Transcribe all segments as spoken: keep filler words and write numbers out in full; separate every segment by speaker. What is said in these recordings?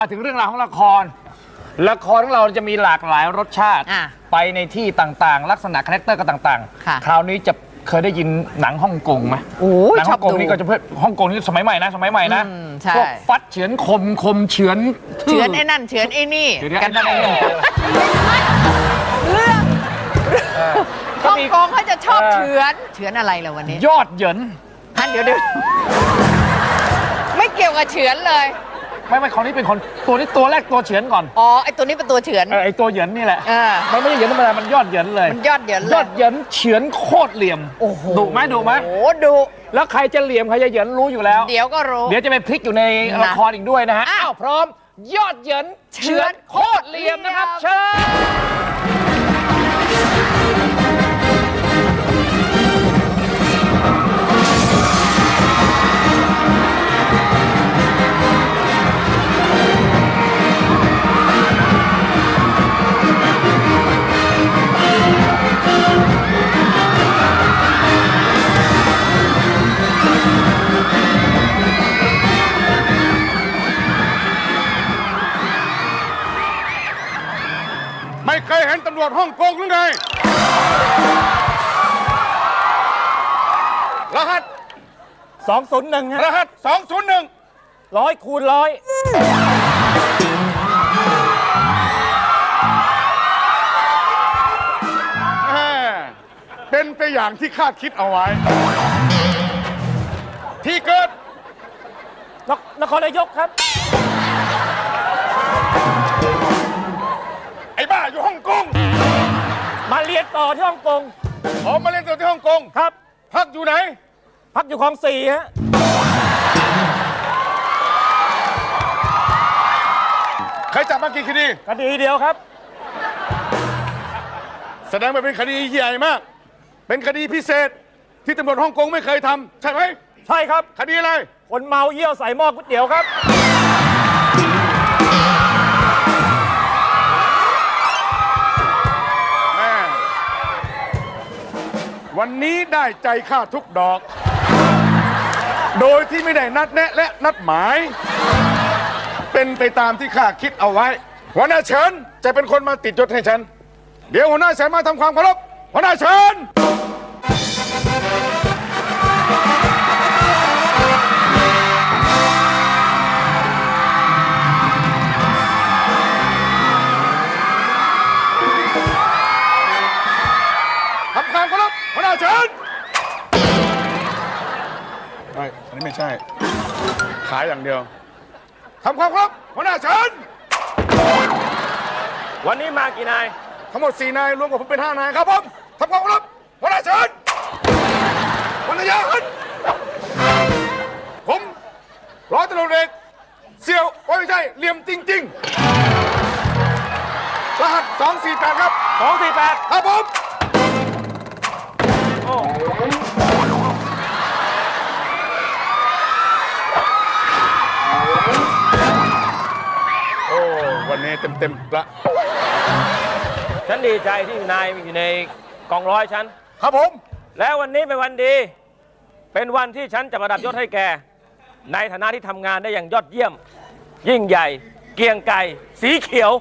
Speaker 1: มาถึงเรื่องราวของละครละครของเราจะมีหลากหลายรสชาติไปในที่ต่างๆลักษณะคาแรคเตอร์ก็ต่างๆคราวนี้จะเคยได้ยินหนังฮ่องกงไหมหนังฮ่องกงนี่ก็จะเพื่อฮ่องกงนี่สมัยใหม่นะสมัยใหม่นะพวกฟัดเฉือนคมคมเฉือน
Speaker 2: เฉือนไอ้นั่นเฉือนไอ้นี่
Speaker 1: กันนั่นเอง
Speaker 2: เรื่องฮ่องกงเขาจะชอบเฉือนเฉือนอะไรล่ะวันนี้
Speaker 1: ยอดเหยิน
Speaker 2: ฮันเดี๋ยวเดี๋ยวไม่เกี่ยวกับเฉือนเลย
Speaker 1: ไม่ไม่คนนี้เป็นคนตัวนี้ตัวแรกตัวเฉือนก่อน
Speaker 2: อ๋อไอตัวนี้เป็นตัวเฉือน
Speaker 1: ไอตัวเหยินนี่แหละมันไม่ใช่เหยินธรรมดามันยอดเหยินเลย
Speaker 2: มันยอดเหยินเลย
Speaker 1: ยอดเหยินเฉือนโคตรเหลี่ยม
Speaker 2: โอ้โห
Speaker 1: ดุไหมดุไหม
Speaker 2: โอ้ดุ
Speaker 1: แล้วใครจะเหลี่ยมใครจะเหยินรู้อยู่แล้ว
Speaker 2: เดี๋ยวก็รู้
Speaker 1: เดี๋ยวจะไปพลิกอยู่ในละครอีกด้วยนะฮะอ้าวพร้อมยอดเหยินเฉือนโคตรเหลี่ยมนะครับเชิญ
Speaker 3: ไม่เคยเห็นตำรวจฮ่องกงหรือไงรหัส
Speaker 1: สองศูนย์หนึ่งฮะ
Speaker 3: รหัสสองศูนย์หนึ่ง
Speaker 1: ร้อยคูณร้อย
Speaker 3: เป็นไปอย่างที่คาดคิดเอาไว้ ที่เกิด
Speaker 1: นครนายกครับ
Speaker 3: ไอ้บ้าอยู่ฮ่องกง
Speaker 1: มาเรียนต่อที่ฮ่องกง
Speaker 3: อ๋อมาเล่นตัวที่ฮ่องกง
Speaker 1: ครับ
Speaker 3: พักอยู่ไหน
Speaker 1: พักอยู่คลองสี่ฮะ
Speaker 3: ใครจับมากี่คดี
Speaker 1: คดีเดียวครับ
Speaker 3: แสดงว่าเป็นคดีใหญ่มากเป็นคดีพิเศษที่ตำรวจฮ่องกงไม่เคยทำใช่ไหม
Speaker 1: ใช่ครับ
Speaker 3: คดีอะไร
Speaker 1: คนเมาเยี่ยวใส่หม้อก๋วยเตี๋ยวครับ
Speaker 3: แม่วันนี้ได้ใจข้าทุกดอกโดยที่ไม่ได้นัดแนะและนัดหมายเป็นไปตามที่ข้าคิดเอาไว้หัวหน้าเฉินจะเป็นคนมาติดยศให้ฉันเดี๋ยวหัวหน้าเฉินมาทำความเคารพหัวหน้าเฉินทำความเคารพหัวหน้าเฉินไม่อันนี้ไม่ใช่ขายอย่างเดียวทำความเคารพหัวหน้าเฉิน
Speaker 1: วันนี้มากี่นาย
Speaker 3: ทั้งหมดสี่นายรวมกับผมเป็นห้านายครับผมทำความเคารพหัวหน้าเฉินหัวหน้าเฉินผมร้อยตำรวจเอกเสี่ยวโอ้ยไม่ใช่เหลี่ยมจริงๆรหัสสองสี่แปดครับ
Speaker 1: สองสี่แปด
Speaker 3: ครับผม
Speaker 1: โอ้
Speaker 3: โอ้วันนี้เต็มเต็มละ
Speaker 4: ฉันดีใจที่นายอยู่ในกองร้อยฉัน
Speaker 3: ครับผม
Speaker 4: แล้ววันนี้เป็นวันดี เป็นวันที่ฉันจะประดับยศให้แกในฐานะที่ทำงานได้อย่างยอดเยี่ยม ยิ่งใหญ่ เกียงไก่สีเขียว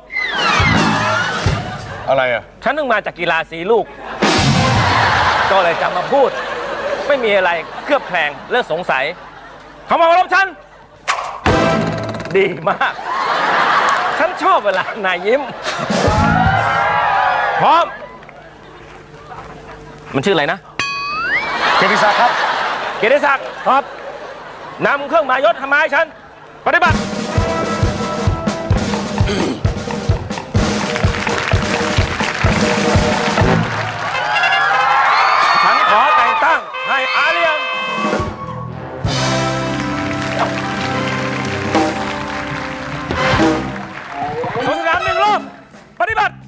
Speaker 3: อะไรอ่ะ
Speaker 4: ฉันนึงมาจากกีฬาสีลูกก็เลยจะมาพูดไม่มีอะไรเคลือบแคลงเลิกสงสัยเขามารับฉันดีมากฉันชอบเวลานายยิ้มพร้อมมันชื่ออะไรนะ
Speaker 3: เกียรติศักดิ์ครับ
Speaker 4: เกียรติศักดิ์ครับนำเครื่องหมายยศทำไมฉันปฏิบัติฉันขอแต่งตั้งให้อาเรียนสวนสนามหนึ่งรอบปฏิบัติ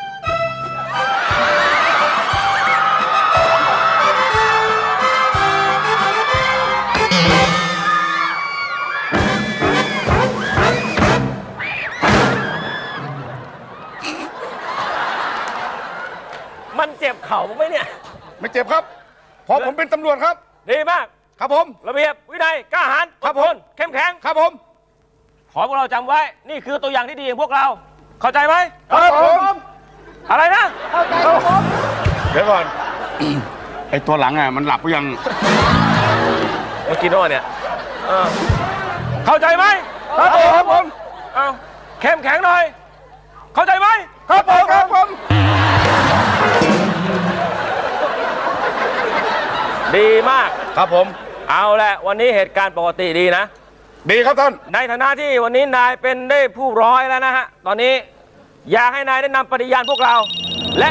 Speaker 4: มันเจ็บเข่าไหมเนี่ย
Speaker 3: ไม่เจ็บครับเพราะผมเป็นตำรวจครับ
Speaker 4: ดีมาก
Speaker 3: ครับผม
Speaker 4: ระเบียบวินัยกล้าหาญ
Speaker 3: ครับผม
Speaker 4: เข้มแข็ง
Speaker 3: ครับผม
Speaker 4: ขอให้พวกเราจำไว้ นี่คือตัวอย่างที่ดีของพวกเรา เข้าใจไหม
Speaker 3: ครับผม
Speaker 4: อะไรนะ
Speaker 3: เดี๋ยวก่อน ไอตัวหลังอ่ะมันหลับหรือยัง
Speaker 4: เมื่อกี้โน่เนี่ยเออเข้าใจไหม
Speaker 3: ครับผมครับผม
Speaker 4: เอาเข้มแข็งหน่อย เข้าใจไหม
Speaker 3: ครับผมครับผม
Speaker 4: ดีมาก
Speaker 3: ครับผม
Speaker 4: เอาแหละวันนี้เหตุการณ์ปกติดีนะ
Speaker 3: ดีครับท่าน
Speaker 4: ในฐานะที่วันนี้นายเป็นได้ผู้ร้อยแล้วนะฮะ ตอนนี้อยากให้นายได้นำปฏิญาณพวกเรา และ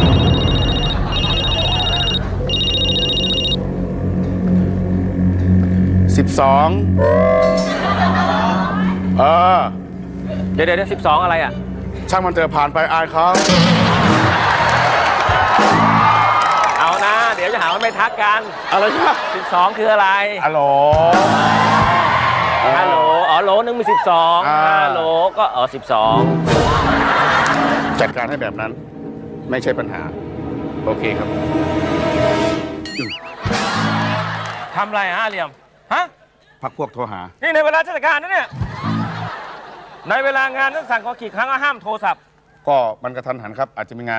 Speaker 3: สิบสองเออ
Speaker 4: เดี๋ยวเดี๋ยวสิบสองอะไรอ่ะ
Speaker 3: ช่างมันเถอะผ่านไปอายเขา
Speaker 4: เอานะ เดี๋ยวจะหาว่าไม่ทักกัน
Speaker 3: อะไรครับ
Speaker 4: สิบสองคืออะไร
Speaker 3: ฮัลโหล
Speaker 4: ฮัลโหล อ๋อโหลหนึ่งมีสิบสอง
Speaker 3: อ่า
Speaker 4: ฮัลโหลก็เออสิบสอง
Speaker 3: จัดการให้แบบนั้น ไม่ใช่ปัญหา โอเคครับ
Speaker 4: ทำอะไรฮะเหลี่ยม ฮะ
Speaker 3: พักพวกโทรหา
Speaker 4: นี่ในเวลาราชการนะเนี่ย ในเวลางานท่านสั่งขอกี่ครั้งก็ห้ามโทรศัพท์
Speaker 3: ก็มันกระทันหันครับ อาจจะมีงาน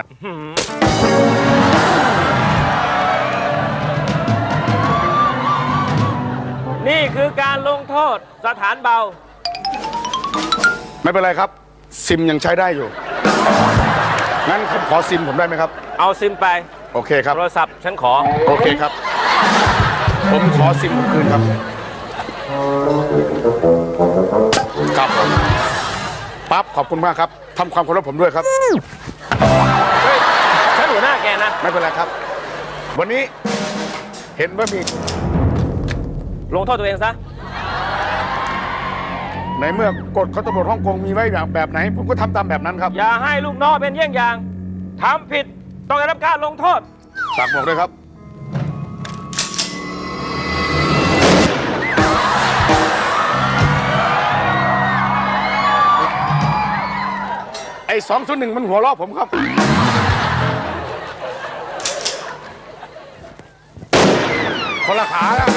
Speaker 4: นี่คือการลงโทษสถานเบา
Speaker 3: ไม่เป็นไรครับ ซิมยังใช้ได้อยู่ งั้นผมขอซิมผมได้ไหมครับ
Speaker 4: เอาซิมไป
Speaker 3: โอเคครับ
Speaker 4: โทรศัพท์ฉันขอ
Speaker 3: โอเคครับ ผมขอซิมผมคืนครับ ครับผมปั๊บขอบคุณมากครับทำความเคารพผมด้วยครับ
Speaker 4: เฮ้ย ฉันหัวหน้าแกนะ
Speaker 3: ไม่เป็นไรครับ วันนี้เห็นว่ามี
Speaker 4: ลงโทษตัวเองซะ
Speaker 3: ในเมื่อกฎของตำรวจฮ่องกงมีไว้แบบแบบไหน ผมก็ทำตามแบบนั้นครับ
Speaker 4: อย่าให้ลูกน้องเป็นเยี่ยงอย่างทำผิดต้องได้รับการลงโทษ
Speaker 3: ฝากบอกด้วยครับ ไอ้สองศูนย์หนึ่งมันหัวเราะผมครับ คนละขาแล้ว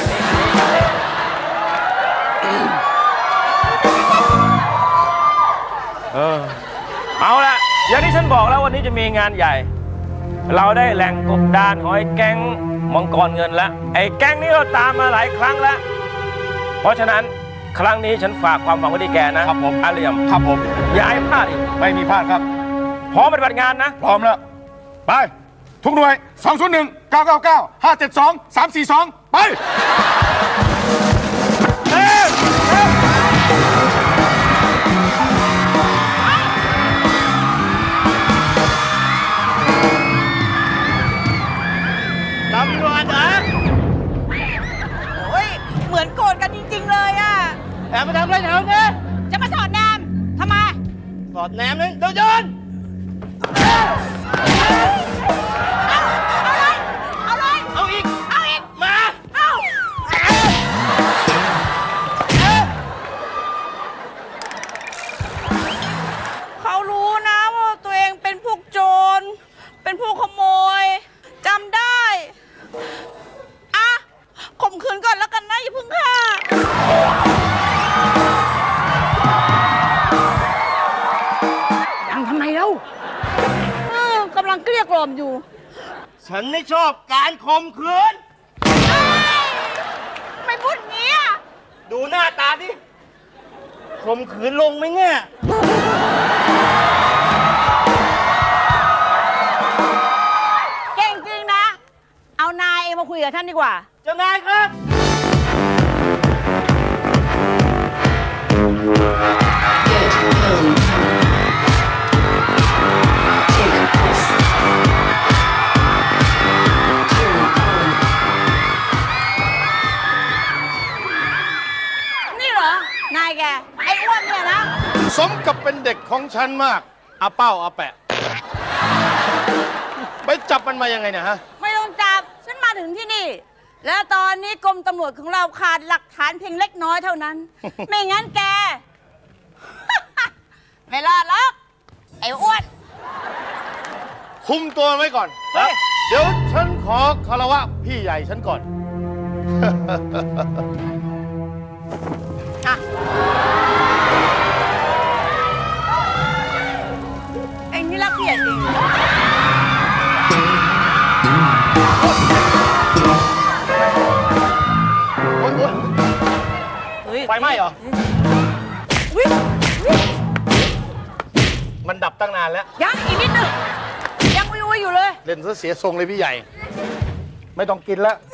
Speaker 4: เอาละอย่างที่ฉันบอกแล้ววันนี้จะมีงานใหญ่ เราได้แหล่งกบดานหอยแก๊งมังกรเงินแล้ว ไอ้แก๊งนี้เราตามมาหลายครั้งแล้ว เพราะฉะนั้นครั้งนี้ฉันฝากความหวังไว้ที่แกนะครับ
Speaker 3: ผม
Speaker 4: อาเหลี่ยม
Speaker 3: ครับผม
Speaker 4: อย่าให้พลาดอีก
Speaker 3: ไม่มีพลาดครับ
Speaker 4: พร้อมปฏิบัติงานนะ
Speaker 3: พร้อมแล้ว ไป ทุกหน่วย สองศูนย์หนึ่ง เก้าเก้าเก้า ห้าเจ็ดสอง สามสี่สอง ไป
Speaker 4: เอ้ย
Speaker 2: ตำรวจเหรอโอ้ย เหมือนโกรธกันจริง ๆ เลยอ่ะ
Speaker 5: แอบมาทำอะไรแถวนี้
Speaker 2: จะมาสอดแนมทำไม
Speaker 5: สอดแนมนึงเดี๋ยวโยน
Speaker 2: เอาเลย เอาเลย
Speaker 5: เอาอีก
Speaker 2: เอาอีก
Speaker 5: มา
Speaker 2: เอา เขารู้นะว่าตัวเองเป็นพวกโจร เป็นพวกขโมย จำได้ อ่ะข่มขืนก่อนแล้วกันนะอย่าเพิ่งฆ่า
Speaker 5: ยังทำไมเล่า
Speaker 2: เออกำลังเกลี้ยกล่อมอยู่
Speaker 5: ฉันไม่ชอบการข่มขืน
Speaker 2: ไม่พูดอย่างนี้อ่ะ
Speaker 5: ดูหน้าตาดิข่มขืนลงไหมเนี่ย
Speaker 2: เก่งจริงนะ เอานายเองมาคุยกับท่านดีกว่า
Speaker 5: เจ้านายครับ
Speaker 2: นี่เหรอ นายแก ไอ้อ้วนเนี่ยนะ
Speaker 3: สมกับเป็นเด็กของฉันมากอาเป้าอาแปะ ไปจับมันมายังไงเนี่ยฮะ
Speaker 2: ไม่ต้องจับ ฉันมาถึงที่นี่ แล้วตอนนี้กรมตำรวจของเราขาดหลักฐานเพียงเล็กน้อยเท่านั้น ไม่งั้นแก ไม่รอดหรอกไอ้อ้วน
Speaker 3: คุมตัวไว้ก่อน
Speaker 5: เฮ้ย
Speaker 3: เดี๋ยวฉันขอคารวะพี่ใหญ่ฉันก่อน
Speaker 2: อ่ะ
Speaker 5: ไหม้เหรอ
Speaker 2: วิ่งวิ่ง
Speaker 5: มันดับตั้งนานแล้ว
Speaker 2: ยังอีกนิดนึงยังอุ้ยอุ้ยอยู่เลย
Speaker 5: เล่นซะเสียทรงเลยพี่ใหญ่ ไม่ต้องกินแล้ว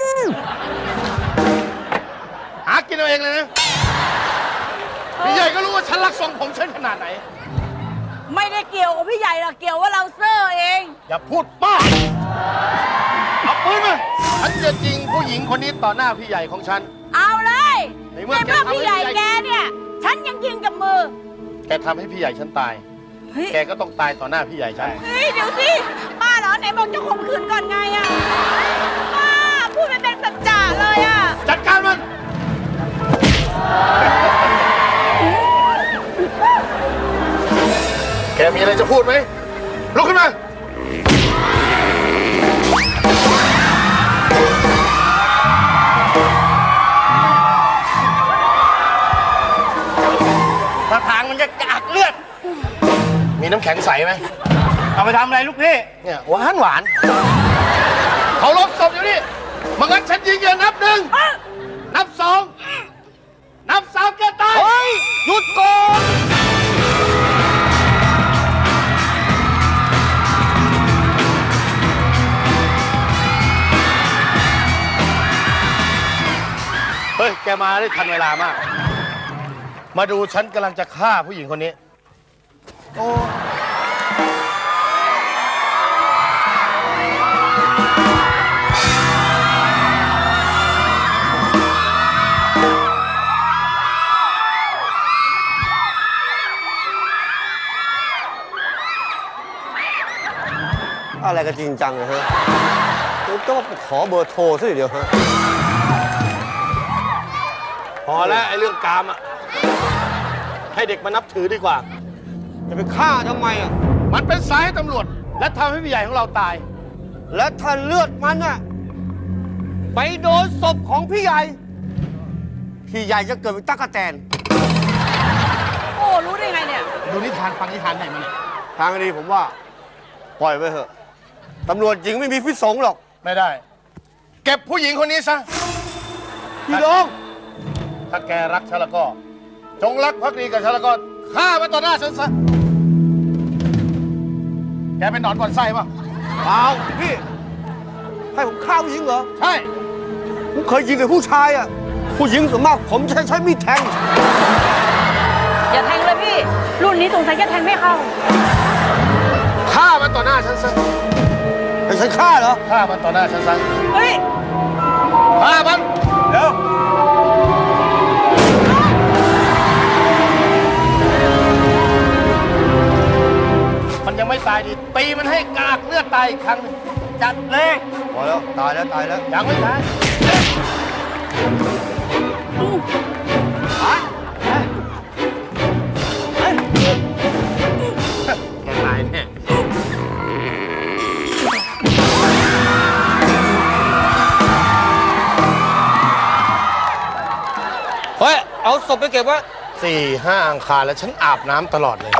Speaker 5: หากินเอาเองเลยนะ พี่ใหญ่ก็รู้ว่าฉันรักทรงผมฉันขนาดไหน
Speaker 2: ไม่ได้เกี่ยวกับพี่ใหญ่หรอกเกี่ยวว่าเราเซอร์เอง
Speaker 5: อย่าพูดมากเอาปืนมาฉันจะยิงผู้หญิงคนนี้ต่อหน้าพี่ใหญ่ของฉัน
Speaker 2: เอาเลย
Speaker 5: ใน
Speaker 2: ใน
Speaker 5: เมื่
Speaker 2: เมื่
Speaker 5: อ
Speaker 2: อพี่ใหญ่
Speaker 5: แกทำให้พี่ใหญ่
Speaker 2: แกเนี่ย ฉันยังยิงกับมือ
Speaker 5: แกทำให้พี่ใหญ่ฉันตาย
Speaker 2: เฮ้ย
Speaker 5: แกก็ต้องตายต่อหน้าพี่ใหญ่ฉัน
Speaker 2: เฮ้ยเดี๋ยวสิป้าเหรอไหนบอกจะข่มขืนก่อนไงอะป้าพูดไม่เป็นสัจจะเลยอะ
Speaker 5: จัดการมัน แกมีอะไรจะพูดไหม ลุกขึ้นมา
Speaker 4: ถ้าทางมันจะกากเลือด
Speaker 5: มีน้ำแข็งใสไหม
Speaker 4: เอาไปทำอะไรลูกพี่
Speaker 5: เนี่ยหวานหวานเขาลบศพอยู่นี่มังั้นฉันยิงอย่านับหนึ่ง นับสอง นับสามแกตาย
Speaker 4: เฮ้ย หยุดก่อน
Speaker 5: เฮ้ย แกมาได้ทันเวลามาก มาดูฉันกำลังจะฆ่าผู้หญิงคนนี้ โอ้
Speaker 6: อะไรกันจริงจังเลยฮะต้องมาขอเบอร์โทรซะเดียวฮะ
Speaker 5: พอแล้วไอ้เรื่องกามอ่ะ ให้เด็กมานับถือดีกว่า
Speaker 6: จะไปฆ่าทำไมอ่ะ
Speaker 5: มันเป็นสายให้ตำรวจ และทำให้พี่ใหญ่ของเราตาย
Speaker 6: และถ้าเลือดมันอ่ะ ไปโดนศพของพี่ใหญ่ พี่ใหญ่จะเกิดเป็นตั๊กแตน
Speaker 2: โอ้รู้ได้ไงเนี่ย
Speaker 5: ดูนิทานฟังนิทานไหนมาเนี่ย
Speaker 6: ทางนี้ผมว่า ปล่อยไปเถอะ ตำรวจหญิงไม่มีพิษสงหรอก
Speaker 5: ไม่ได้ เก็บผู้หญิงคนนี้ซะ
Speaker 6: พี่น้อง
Speaker 5: ถ้าแกรักฉันแล้วก็ จงรักภักดีกับฉันแล้วก็ฆ่ามันต่อหน้าฉันซะ แกเป็นหนอนก่อนไส้ป่ะ
Speaker 6: เปล่าพี่ ให้ผมฆ่าผู้หญิงเหรอ
Speaker 5: ใช่
Speaker 6: ผมเคยยิงแต่ผู้ชายอ่ะ ผู้หญิงส่วนมากผมใช้ใช้มีดแทง
Speaker 2: อย่าแทงเลยพี่ รุ่นนี้สงสัยจะแทงไม่เข้า
Speaker 5: ฆ่ามันต่อหน้าฉันซะ
Speaker 6: ให้ฉันฆ่าเหรอ
Speaker 5: ฆ่ามันต่อหน้าฉันซะ
Speaker 2: เฮ้ย
Speaker 5: ฆ่ามัน
Speaker 6: เดี๋ยว
Speaker 5: มันยังไม่ตายดี ตีมันให้กากเลือดตายอีกครั้งหนึ่งจัดเลย
Speaker 6: พอแล้ว ตายแล้ว ตายแล้ว
Speaker 5: ยังไม่ตาย แกตายแน่
Speaker 6: เฮ้ย เอาศพไปเก็บไว้
Speaker 5: สี่ห้าอังคารแล้วฉันอาบน้ำตลอดเลย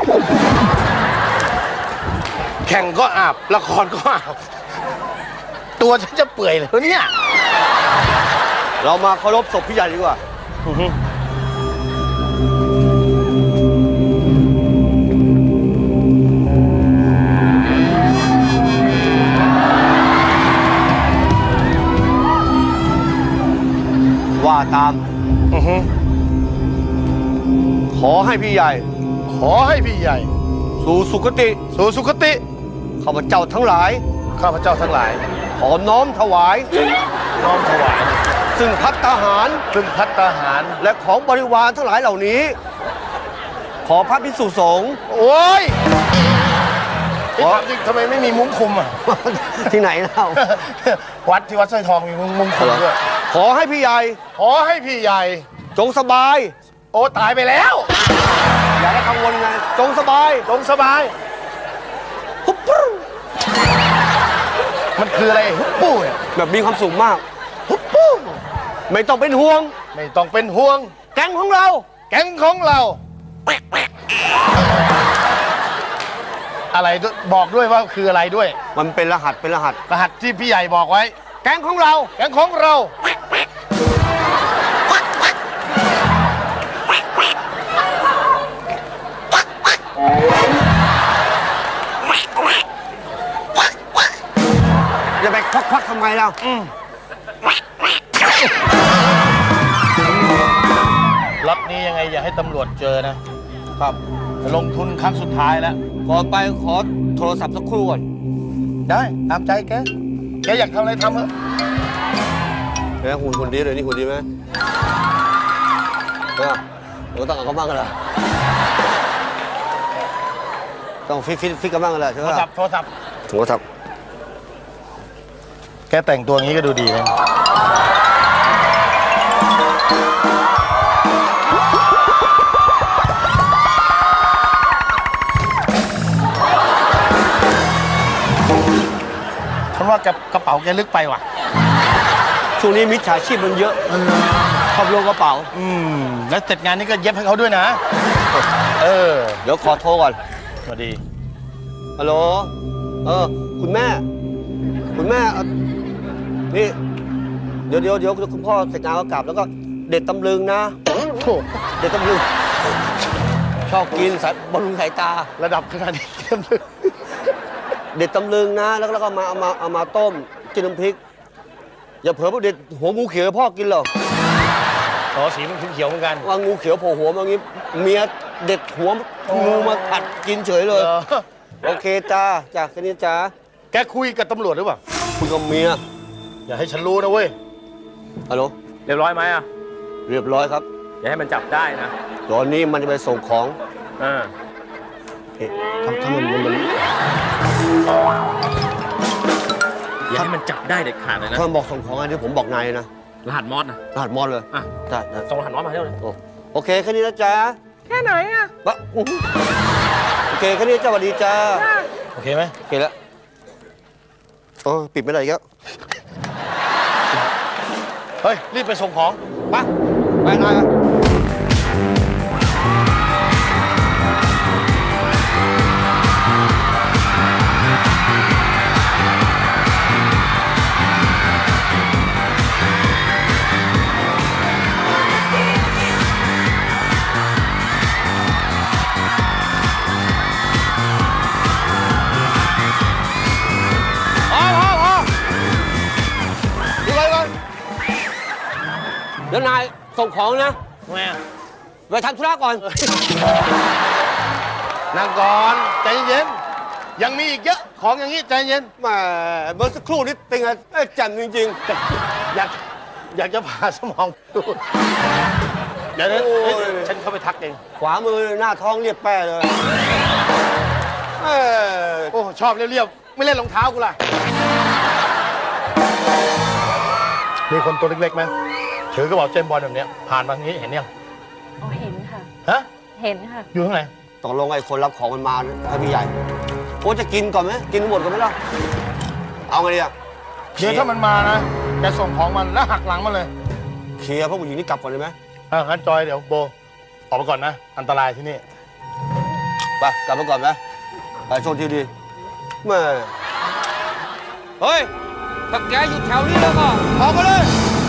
Speaker 5: แข่งก็อาบ ละครก็อาบ ตัวฉันจะเปื่อยเลยเนี่ย
Speaker 6: เรามาเคารพศพพี่ใหญ่ดีกว่า ว่าตาม ขอให้พี่ใหญ่
Speaker 5: ขอให้พี่ใหญ่
Speaker 6: สู่สุคติ
Speaker 5: สู่สุคติ
Speaker 6: ข้าพเจ้าทั้งหลาย
Speaker 5: ข้าพเจ้าทั้งหลาย
Speaker 6: ขอน้อมถวาย
Speaker 5: น้อมถวาย
Speaker 6: ซึ่งพัตตาหาร
Speaker 5: ซึ่งพัตตาหาร
Speaker 6: และของบริวารทั้งหลายเหล่านี้ ขอพระภิกษุสงฆ์
Speaker 5: โอ้ยที่ถามจริงทำไมไม่มีมุ้งคุมอ่ะ
Speaker 6: ที่ไหนเล่า
Speaker 5: วัดที่วัดสร้อยทองมีมุ้งมุ้งคุมด้วย
Speaker 6: ขอให้พี่ใหญ่
Speaker 5: ขอให้พี่ใหญ่
Speaker 6: จงสบาย
Speaker 5: โอ้ตายไปแล้ว
Speaker 6: อย่าได้กังวลไง จงสบาย
Speaker 5: จงสบาย
Speaker 6: ปุ๊บปุ๊บ
Speaker 5: มันคืออะไรฮุบปูเนี่ย
Speaker 6: แบบมีความสุขมาก
Speaker 5: ฮุบปู
Speaker 6: ไม่ต้องเป็นห่วง
Speaker 5: ไม่ต้องเป็นห่วง
Speaker 6: แก๊งของเรา
Speaker 5: แก๊งของเรา อะไรด้วยบอกด้วยว่าคืออะไรด้วย
Speaker 6: มันเป็นรหัสเป็นรหัส
Speaker 5: รหัสที่พี่ใหญ่บอกไว้
Speaker 6: แก๊งของเรา
Speaker 5: แก๊งของเรา
Speaker 6: พไงเรา
Speaker 5: ล็อตนี้ยังไงอย่าให้ตำรวจเจอนะครับ ลงทุนครั้งสุดท้ายแล้ว
Speaker 6: ก่อนไปขอโทรศัพท์สักครู่ก่อน
Speaker 5: ได้ตามใจแก แกอยากทำอะไรทำเถอะ
Speaker 6: เฮ้ยหุ่นหุ่นดีเลยนี่หุ่นดีไหมเออเออต้องเอาเขาบ้างกันเหรอต้องฟิตฟิตฟิตกันบ้างกันเหรอใช่
Speaker 5: โท
Speaker 6: ไหม
Speaker 5: รศัพท์โทรศัพท์
Speaker 6: โทรศัพท์
Speaker 5: แกแต่งตัวงี้ก็ดูดีนะฉันว่ากระเป๋าแกลึกไปว่ะ
Speaker 6: ช่วงนี้มิจฉาชีพมันเยอะชอบลงกระเป๋า
Speaker 5: อืม แล้วเสร็จงานนี้ก็เย็บให้เขาด้วยนะ เออ
Speaker 6: เดี๋ยวขอโทรก่อน
Speaker 5: สวัสดี
Speaker 6: ฮัลโหล เออ คุณแม่ คุณแม่เอานี่ เดี๋ยวเดี๋ยวเดี๋ยวคุณพ่อเสร็จงานก็กลับ แล้วก็เด็ดตำลึงนะโถ่เด็ดตำลึง ชอบกินสายบำรุงสายตา
Speaker 5: ระดับขนาดนี้เยี่ยมเลย
Speaker 6: เด็ดตำลึงนะ แล้วก็แล้วก็มาเอามาเอามาต้มกินน้ำพริก อย่าเผลอไปเด็ดหัวงูเขียวให้พ่อกินหรอก
Speaker 5: อ๋อสีมันเขียวๆเหมือนกัน
Speaker 6: ว่างูเขียวโผล่หัวมาอย่างงี้ เมียเด็ดหัวงูมาผัดกินเฉยเลย
Speaker 5: เออ
Speaker 6: โอเคจ้าจ้าแค่นี้จ้า
Speaker 5: แกคุยกับตำรวจหรือเปล่า
Speaker 6: คุยกับเมีย
Speaker 5: อย่าให้ฉันรู้นะเว้ย
Speaker 6: ฮัลโหล
Speaker 4: เรียบร้อยไหมอ่ะ
Speaker 6: เรียบร้อยครับ
Speaker 4: อย่าให้มันจับได้นะ
Speaker 6: ตอนนี้มันจะไปส่งของ
Speaker 4: เออ
Speaker 6: เอ๊ะทำทำมันมันมัน
Speaker 4: อย่าให้มันจับได้เด็ดขาดเลยนะ
Speaker 6: ถ้ามันบอกส่งของอะไรเดี๋ยวผมบอกนายเลยนะ
Speaker 4: รหัสมอสนะ
Speaker 6: รหัสมอดเลย
Speaker 4: อ่ะ
Speaker 6: ได้ได้
Speaker 4: ส่งรหัสมอสมาให้เราเลย
Speaker 6: โอ้โอเคแค่นี้นะจ๊ะ
Speaker 2: แค่ไหนอะ
Speaker 6: บะอู้หูโอเคแค่นี้จ้าสวัสดีจ้า
Speaker 5: โอเคไหม
Speaker 6: โอเคแล้วโอ้ปิดไม่ได้อีกแล้ว
Speaker 5: เฮ้ย รีบไปส่งของ
Speaker 6: ไปไปนาย
Speaker 5: พอพอพอดูไปก่อน
Speaker 6: เดี๋ยวนายส่งของนะ
Speaker 5: แม่
Speaker 6: ไปทำธุระก่อน
Speaker 5: นั่งก่อน ใจเย็น ยังมีอีกเยอะ ของอย่างนี้ใจเย็น
Speaker 6: แหมเมื่อสักครู่นี้เป็นไงเอ้ยแจ่มจริง
Speaker 5: อยาก อยากจะผ่าสมองดูเดี๋ยวนะ
Speaker 6: โอ้ย
Speaker 5: เฮ้ยฉันเข้าไปทักเอง
Speaker 6: ๆ ขวามือหน้าท้องเรียบแป้เลยเอ้ย
Speaker 5: โอ้ ชอบเรียบๆ ไม่เล่นรองเท้ากูล่ะ มีคนตัวเล็กๆไหมถือกระเป๋าเจมส์บอลแบบเนี้ยผ่านมาอย่างนี้เห็นยัง
Speaker 7: อ๋อเห็นค่ะ
Speaker 5: ฮะ
Speaker 7: เห็นค่ะ
Speaker 5: อยู่ข้างไหน
Speaker 6: ตกลงไอ้คนรับของมันมาให้พี่ใหญ่โอ้จะกินก่อนไหมกินหมดก่อนไหมล่ะ เอาไงดีอะ
Speaker 5: เดี๋ยวถ้ามันมานะแกส่งของมันแล้วหักหลังมันเลย
Speaker 6: เคลียร์พวกผู้หญิงนี่กลับก่อนได้ไหม
Speaker 5: อ่ะงั้นจอยเดี๋ยวโบ ออกไปก่อนนะ อันตรายที่นี่
Speaker 6: ไปกลับมาก่อนไหมไปโชคดีดีแม่เฮ้ยถ้าแกอยู่แถวนี้แล้วก็ออกมาเลย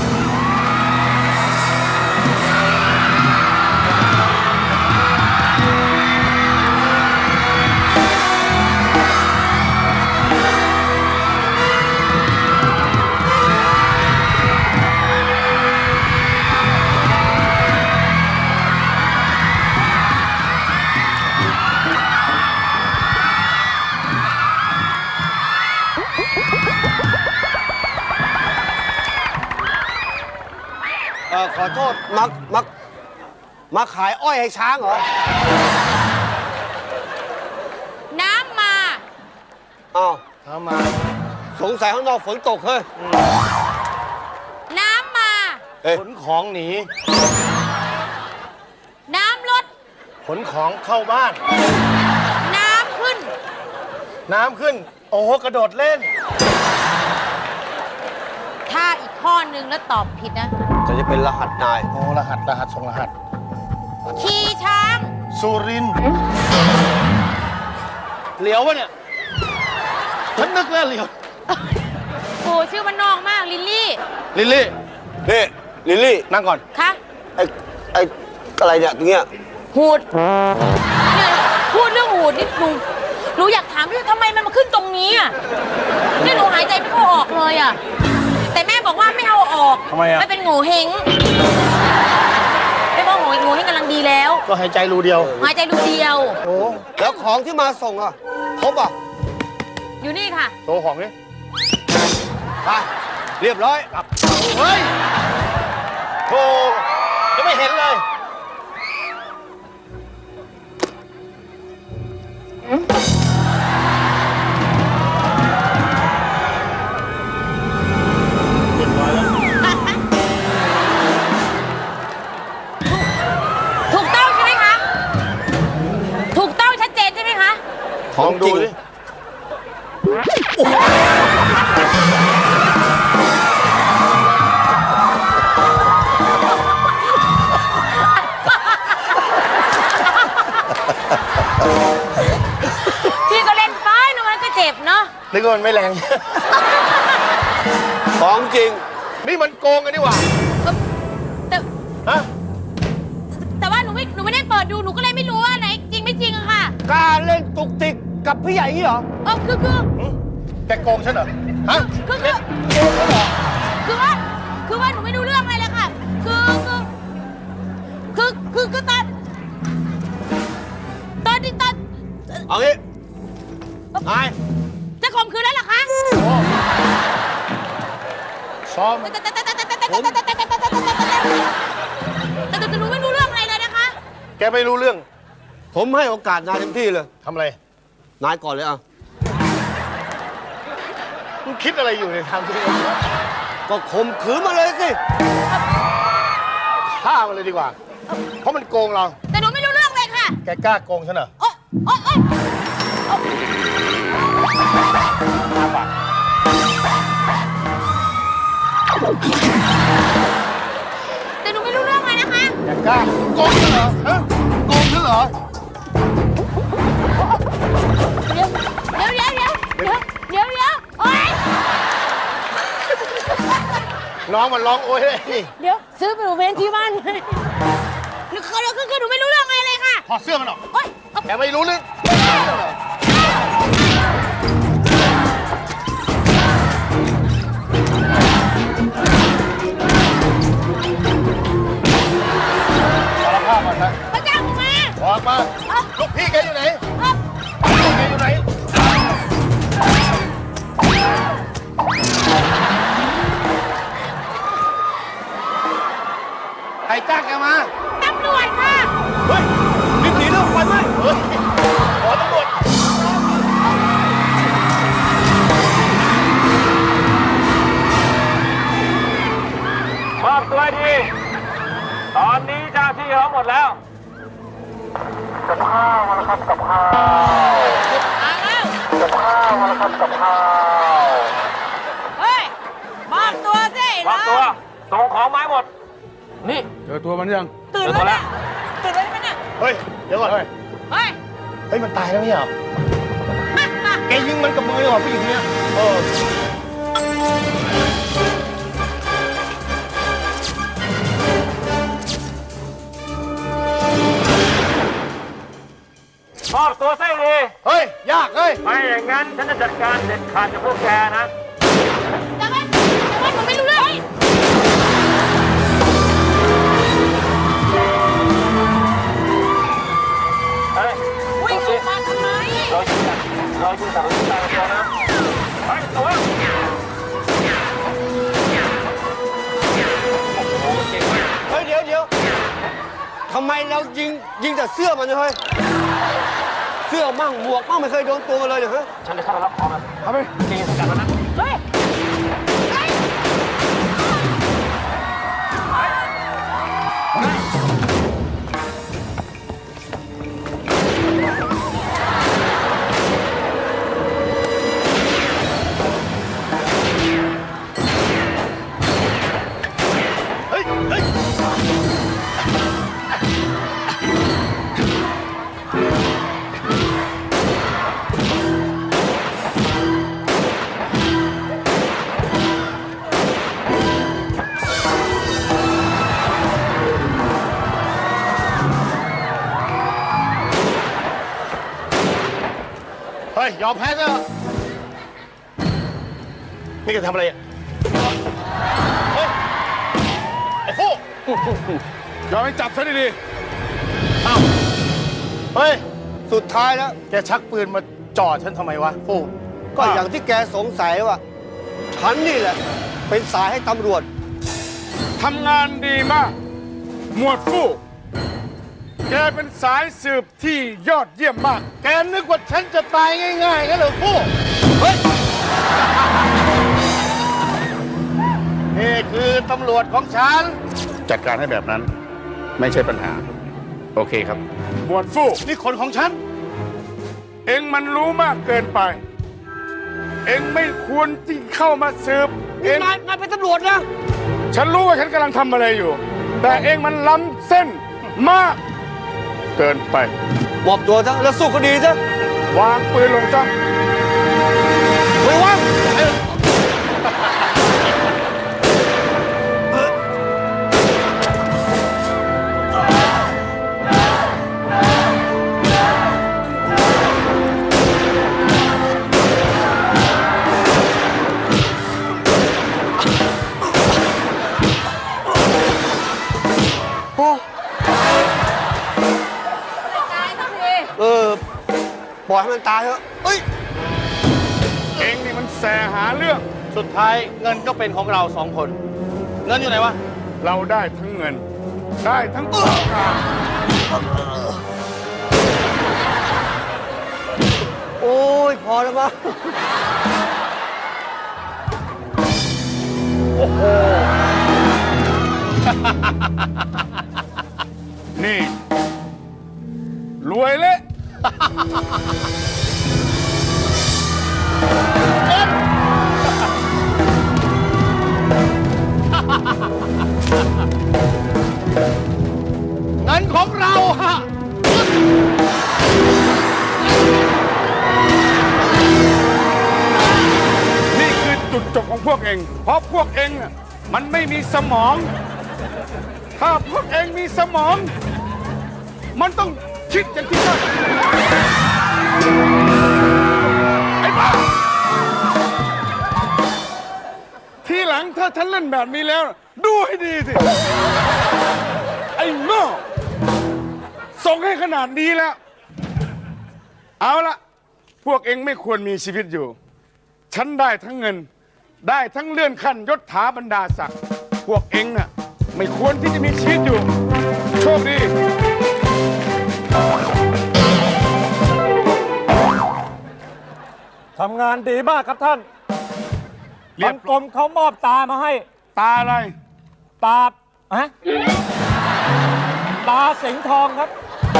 Speaker 6: เออขอโทษมักมักมาขายอ้อยให้ช้างเหรอ
Speaker 7: น้ำมา
Speaker 6: อ้าว
Speaker 5: ทำมา
Speaker 6: สงสัยข้างนอกฝนตกเฮ้ย
Speaker 7: น้ำมา
Speaker 6: เอ้ย
Speaker 5: ขนของหนี
Speaker 7: น้ำลด
Speaker 5: ขนของเข้าบ้าน
Speaker 7: น้ำขึ้น
Speaker 5: น้ำขึ้น โอ้โห กระโดดเล่น
Speaker 7: ถ้าอีกข้อนึงแล้วตอบผิดนะ
Speaker 6: จะจะเป็นรหัสนาย
Speaker 5: โอ้ รหัส รหัส ส่งรหัส
Speaker 7: ขี่ช้าง
Speaker 5: สุรินทร์เหลียววะเนี่ย ฉันนึกแล้วเหลียว
Speaker 7: โอ้ชื่อมันนองมาก ลิลลี่
Speaker 5: ลิลลี่
Speaker 6: นี่ลิลลี่
Speaker 5: นั่งก่อน
Speaker 7: คะ
Speaker 6: ไอ้ไอ้อะไรเนี่ยตรงเนี้ย
Speaker 7: หูดเนี่ยพูดเรื่องหูดนี่หนูหนูอยากถามด้วยทำไมมันมาขึ้นตรงนี้อ่ะเนี่ยหนูหายใจไม่ค่อยออกเลยอ่ะแต่แม่บอกว่าไม่เอาออก
Speaker 1: ทำไมอะ
Speaker 7: ไม่เป็นโง่เฮงไม่บอกโง่โง่เฮงกำลังดีแล้ว
Speaker 5: ก็หายใจรูเดียว
Speaker 7: หายใจดูเดียว
Speaker 6: โอ้แล้วของที่มาส่งอ่ะครบอ่ะ
Speaker 7: อยู่นี่ค่ะ
Speaker 5: โชว์ของนี่
Speaker 6: ไปเรียบร้อยกลับ
Speaker 5: เฮ้ยโธ่ยังไม่เห็นเลย
Speaker 7: ถูกต้องใช่ไหมคะ ถูกต้องชัดเจนใช่ไหมคะ
Speaker 6: ของจริง
Speaker 7: พี่ก็เล่นไปนะมันก็เจ็บเนาะ
Speaker 5: นึกว่ามันไม่แรง
Speaker 6: ของจริง
Speaker 5: นี่มันโกงกันนี่หว่า
Speaker 7: แต่
Speaker 5: ฮะ
Speaker 7: แต่ว่าหนูไม่หนูไม่ได้เปิดดูหนูก็เลยไม่รู้ว่าไหนจริงไม่จริงอะค่ะ
Speaker 6: กล้าเล่นตุกติกกับพี่ใหญ่นี่เหรอ
Speaker 7: เออคือคือ
Speaker 5: แกโกงฉันเหรอ ฮะ
Speaker 7: คือคือคือว่าคือว่าหนูไม่รู้เรื่องอะไรเลยค่ะ คือคือคือคือคือตอนตอนที่ตอน
Speaker 6: เอางี้นาย
Speaker 7: จะข่มขืนแล้วเหรอคะ
Speaker 5: ซ้อม
Speaker 7: แต่แต่แต่แต่แต่แต่แต่แต่แต่แต่แต่แต่แต่หนูไม่รู้เรื่องอะไรเลยนะคะ
Speaker 5: แกไม่รู้เรื่อง
Speaker 6: ผมให้โอกาสนายเต็มที่เลย
Speaker 5: ทำอะไร
Speaker 6: นายก่อนเลยอ่ะ
Speaker 5: มึงคิดอะไรอยู่ในทางที่
Speaker 6: ก็ข่มขืนมาเลยสิ
Speaker 5: ฆ่ามันเลยดีกว่า เพราะมันโกงเรา
Speaker 7: แต่หนูไม่รู้เรื่องเลยค่ะ
Speaker 5: แกกล้าโกงฉันเหรอ
Speaker 7: โอ๊ยโอ๊ยโอ๊ยแต่หนูไม่รู้เรื่องเลยนะคะ
Speaker 5: แกกล้าโกงฉันเหรอ ฮะ โกงฉันเหรอ
Speaker 7: เดี๋ยวเดี๋ยวเดี๋ยวเดี๋ยวเดี๋ยวเดี๋ยวโอ๊ย
Speaker 5: น้องมันร้องโอ๊ยเลยนี่
Speaker 7: เดี๋ยวซื้อไปหนูเวนที่บ้านหนูคือคือคือหนูไม่รู้เรื่องอะไรเลยค่ะ
Speaker 5: ถอดเสื้อมันออก
Speaker 7: โอ๊ย
Speaker 5: แกไม่รู้เรื่องสารภาพมาซะ
Speaker 7: พระเจ้าหนูมา
Speaker 5: ออกมา ลูกพี่แกอยู่ไหน
Speaker 7: เอ้า
Speaker 5: ลูกแกอยู่ไหน ใครจ้างแกมา
Speaker 7: ตำรวจค่ะ
Speaker 5: เฮ้ยรีบหนีเรื่องไฟไหม้เฮ้ยขอตำรวจ
Speaker 4: มอบตัวดี ตอนนี้เจ้าที่เขาหมดแล้ว
Speaker 7: มาแล้ว เฮ้ยมอบตัวสิ
Speaker 4: มอบตัว ส่งของไม้หมด นี่
Speaker 3: เจอตัวมันยัง
Speaker 7: ตื่นแล้วเนี่ยตื่นแล้วใช่ไหมเนี่ย
Speaker 5: เฮ้ย เดี๋ยวก่อน
Speaker 3: เฮ้ย
Speaker 7: เฮ้ย
Speaker 5: เฮ้ย มันตายแล้วไม่ใช่เหรอแกยิงมันกับมือเหรอผู้หญิงคนเนี้ยเออ
Speaker 4: มอบตัวซะดี
Speaker 5: เฮ้ย ยากเฮ้ย
Speaker 4: ไม่อย่างนั้นฉันจะจัดการเด็ดขาดกับพวกแกนะ
Speaker 7: แต่ว่าแต่ว่าหนูไม่รู้เรื่อง
Speaker 4: เฮ้ย
Speaker 7: วิ่งออกมาทำไม
Speaker 4: เราจะจัดเราจะจัดเราจะจัดตัวนะเฮ้ยตัวโอ้โหเก่งมาก
Speaker 6: เฮ้ย เดี๋ยวเดี๋ยวทำไมเรายิงยิงแต่เสื้อมันเนี่ยเฮ้ย เสื้อมั่งหมวกมั่งไม่เคยโดนตัวมันเลยเนี่ยเฮ้ย
Speaker 4: ฉันจะเข้าไปรับของมัน
Speaker 3: เอาไป
Speaker 4: จริงสกัดมันนะ
Speaker 7: เฮ้ย
Speaker 5: เฮ้ย เฮ้ย เฮ้ย ยอมแพ้ซะนี่แกทำอะไรอ่ะไอ้ฟู่
Speaker 3: ยอมให้จับซะดี
Speaker 5: เฮ้ย
Speaker 6: สุดท้ายแล้ว
Speaker 5: แกชักปืนมาจ่อฉันทำไมวะ ฟู่
Speaker 6: ก็อย่างที่แกสงสัยว่า ฉันนี่แหละ เป็นสายให้ตำรวจ
Speaker 3: ๆทำงานดีมาก หมวดฟู่แกเป็นสายสืบที่ยอดเยี่ยมมาก
Speaker 5: แกนึกว่าฉันจะตายง่ายๆงั้นเหรอฟู่ เฮ้ย นี่คือตำรวจของฉัน
Speaker 3: จัดการให้แบบนั้น ไม่ใช่ปัญหา โอเคครับ หมวดฟู่
Speaker 5: นี่คนของฉัน
Speaker 3: เอ็งมันรู้มากเกินไป เอ็งไม่ควรที่เข้ามาสืบ เอ็ง
Speaker 6: นายนายเป็นตำรวจนะ
Speaker 3: ฉันรู้ว่าฉันกำลังทำอะไรอยู่ แต่เอ็งมันล้ำเส้นมาก เกินไป
Speaker 6: มอบตัวซะแล้วสู้คดีซะ
Speaker 3: วางปืนลงซะ
Speaker 6: ไม่ว่าง เออ ปล่อยให้มันตายเถอะเอ้ย
Speaker 3: เอ็งนี่มันแสหาเรื่อง
Speaker 5: สุดท้ายเงินก็เป็นของเราสองคน เงินอยู่ไหนวะ
Speaker 3: เราได้ทั้งเงิน ได้ทั้งของกลาง
Speaker 6: โอ้ย พอแล้วมั้ง
Speaker 3: นี่ รวยเละ
Speaker 5: เงินของเราฮะ
Speaker 3: นี่คือจุดจบของพวกเอง เพราะพวกเองน่ะมันไม่มีสมอง ถ้าพวกเองมีสมอง มันต้องคิดอย่างที่ฉันไอ้บ้า ทีหลังถ้าฉันเล่นแบบนี้แล้ว ดูให้ดีสิ ไอ้โง่ส่งให้ขนาดนี้แล้ว เอาละพวกเองไม่ควรมีชีวิตอยู่ ฉันได้ทั้งเงิน ได้ทั้งเลื่อนขั้นยศถาบรรดาศักดิ์พวกเองน่ะไม่ควรที่จะมีชีวิตอยู่ โชคดี
Speaker 1: ทำงานดีมากครับท่าน
Speaker 3: เรียบ
Speaker 1: ทางกรมเขามอบตามาให้
Speaker 3: ตาอะไร
Speaker 1: ตาฮะตาสิงห์ทองครับ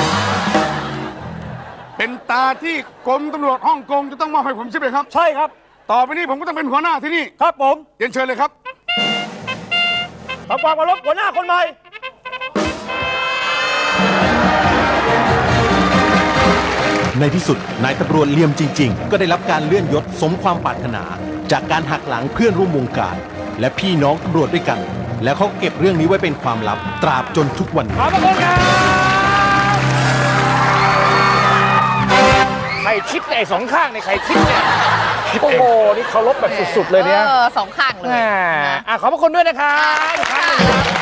Speaker 3: เป็นตาที่กรมตำรวจฮ่องกงจะต้องมอบให้ผมใช่ไหมครับ
Speaker 1: ใช่ครับ
Speaker 3: ต่อไปนี้ผมก็ต้องเป็นหัวหน้าที่นี่
Speaker 1: ครับผม
Speaker 3: เรียนเชิญเลยครับ
Speaker 1: ทำความเคารพหัวหน้าคนใหม่
Speaker 8: ในที่สุดนายตำรวจเหลี่ยมจริง ๆ ก็ได้รับการเลื่อนยศสมความปรารถนา จากการหักหลังเพื่อนร่วมวงการ และพี่น้องตำรวจด้วยกัน แล้วเขาเก็บเรื่องนี้ไว้เป็นความลับ ตราบจนทุกวันนี้
Speaker 1: ขอบพระคุณครับใครคิดเนี่ยไอ้สองข้างเนี่ยใครคิดเนี่ย โอ้โห นี่เคารพแบบสุดๆเลยเนี่ย
Speaker 7: เออสองข้างเลย
Speaker 1: แหม
Speaker 7: นะ
Speaker 1: อ่ะขอบพระคุณด้วยนะครับอีกครั้งหนึ่งครับ